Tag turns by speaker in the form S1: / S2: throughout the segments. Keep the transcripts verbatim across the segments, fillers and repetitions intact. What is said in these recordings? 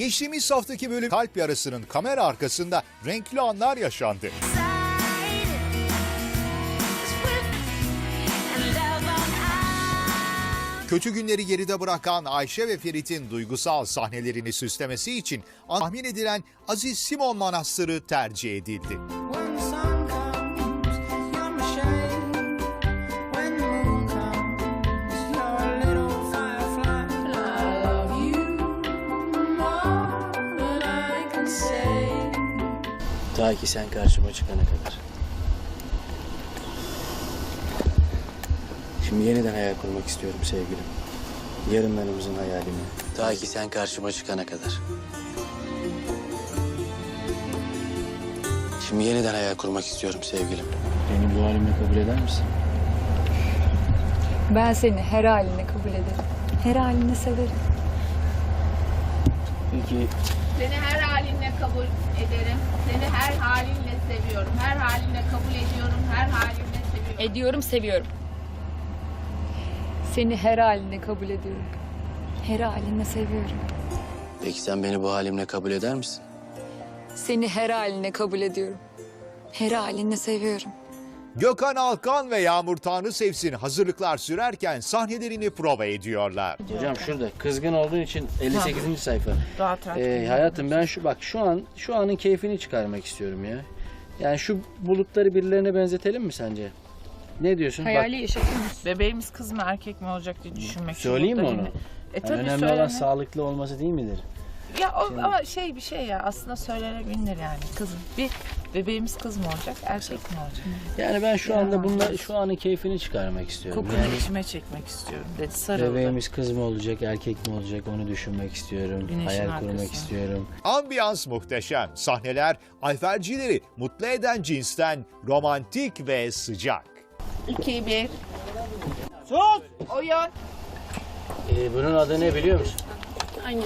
S1: Geçtiğimiz haftaki bölüm kalp yarasının kamera arkasında renkli anlar yaşandı. Kötü günleri geride bırakan Ayşe ve Ferit'in duygusal sahnelerini süslemesi için tahmin edilen Aziz Simon Manastırı tercih edildi.
S2: Ta ki sen karşıma çıkana kadar. Şimdi yeniden hayal kurmak istiyorum sevgilim. Yarınlarımızın hayalini. Ta ki sen karşıma çıkana kadar. Şimdi yeniden hayal kurmak istiyorum sevgilim. Beni bu halimle kabul eder misin?
S3: Ben seni her haline kabul ederim. Her haline severim.
S2: Peki
S4: Seni her halinle kabul ederim. Seni her halinle seviyorum. Her halinle kabul ediyorum. Her halinle seviyorum.
S3: Ediyorum, seviyorum. Seni her haline kabul ediyorum. Her haline seviyorum.
S2: Peki sen beni bu halimle kabul eder misin?
S3: Seni her haline kabul ediyorum. Her haline seviyorum.
S1: Gökhan Alkan ve Yağmur Tanrısevsin hazırlıklar sürerken sahnelerini prova ediyorlar.
S2: Hocam şurada kızgın olduğun için elli sekizinci sayfa.
S4: Rahat rahat.
S2: Ee, hayatım ben şu bak şu an şu anın keyfini çıkarmak istiyorum ya. Yani şu bulutları birilerine benzetelim mi sence? Ne diyorsun?
S3: Hayali
S2: Bak,
S3: yaşatıyoruz.
S4: Bebeğimiz kız mı erkek mi olacak diye düşünmek.
S2: söyleyeyim mi
S4: Burada
S2: onu?
S4: yine- E
S2: yani
S4: tabii
S2: önemli olan
S4: söyleme.
S2: sağlıklı olması değil midir?
S4: Ya o, ama şey bir şey ya aslında söylenebilir yani kızım. Bir bebeğimiz kız mı olacak erkek mi olacak?
S2: Yani ben şu
S4: Ya.
S2: anda bunlar şu anın keyfini çıkarmak istiyorum.
S4: Kokunu
S2: Yani
S4: içime çekmek istiyorum dedi sarıldı.
S2: bebeğimiz kız mı olacak, erkek mi olacak onu düşünmek istiyorum.
S4: Güneşin
S2: Hayal kurmak
S4: arkası.
S2: istiyorum.
S1: Ambiyans muhteşem. Sahneler alfercileri mutlu eden cinsten romantik ve sıcak.
S4: İki, bir. Sus! Oyun.
S2: Ee, bunun adı ne biliyor musun?
S3: Hangisi?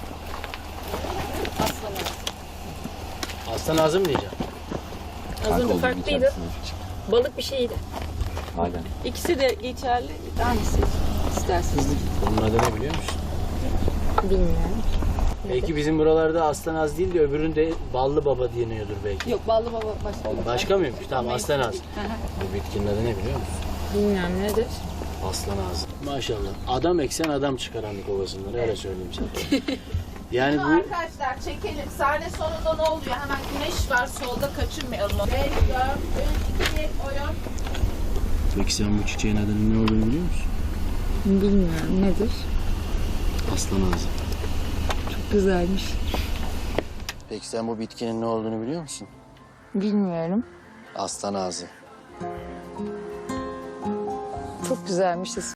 S2: Aslan Azım diyeceğim.
S3: Az önce farklıydı. Balık bir şeydi.
S2: Hala.
S3: İkisi de geçerli. Hangisi isterseniz?
S2: Bunun adı ne biliyor musun?
S3: Bilmiyorum.
S2: Belki bizim buralarda Aslan Az değil de öbüründe Ballı Baba deniyordur belki.
S3: Yok, ballı baba başka.
S2: Başka mıymış? Tamam Aslan Az. Bu bitkinin adı ne biliyor musun?
S3: Bilmiyorum nedir?
S2: Aslan Azım. Maşallah. Adam eksen adam çıkaranlık ovasından öyle söyleyeyim sana. Yani bu
S4: Arkadaşlar çekelim. Sahne sonunda ne oluyor? Hemen güneş var solda kaçırmayalım. beş, dört, üç, iki, oyun.
S2: peki sen bu çiçeğin adının ne olduğunu biliyor musun?
S3: Bilmiyorum nedir?
S2: Aslan Azım.
S3: Çok güzelmiş.
S2: Peki sen bu bitkinin ne olduğunu biliyor musun?
S3: Bilmiyorum.
S2: Aslan Azım.
S3: Çok güzelmiş.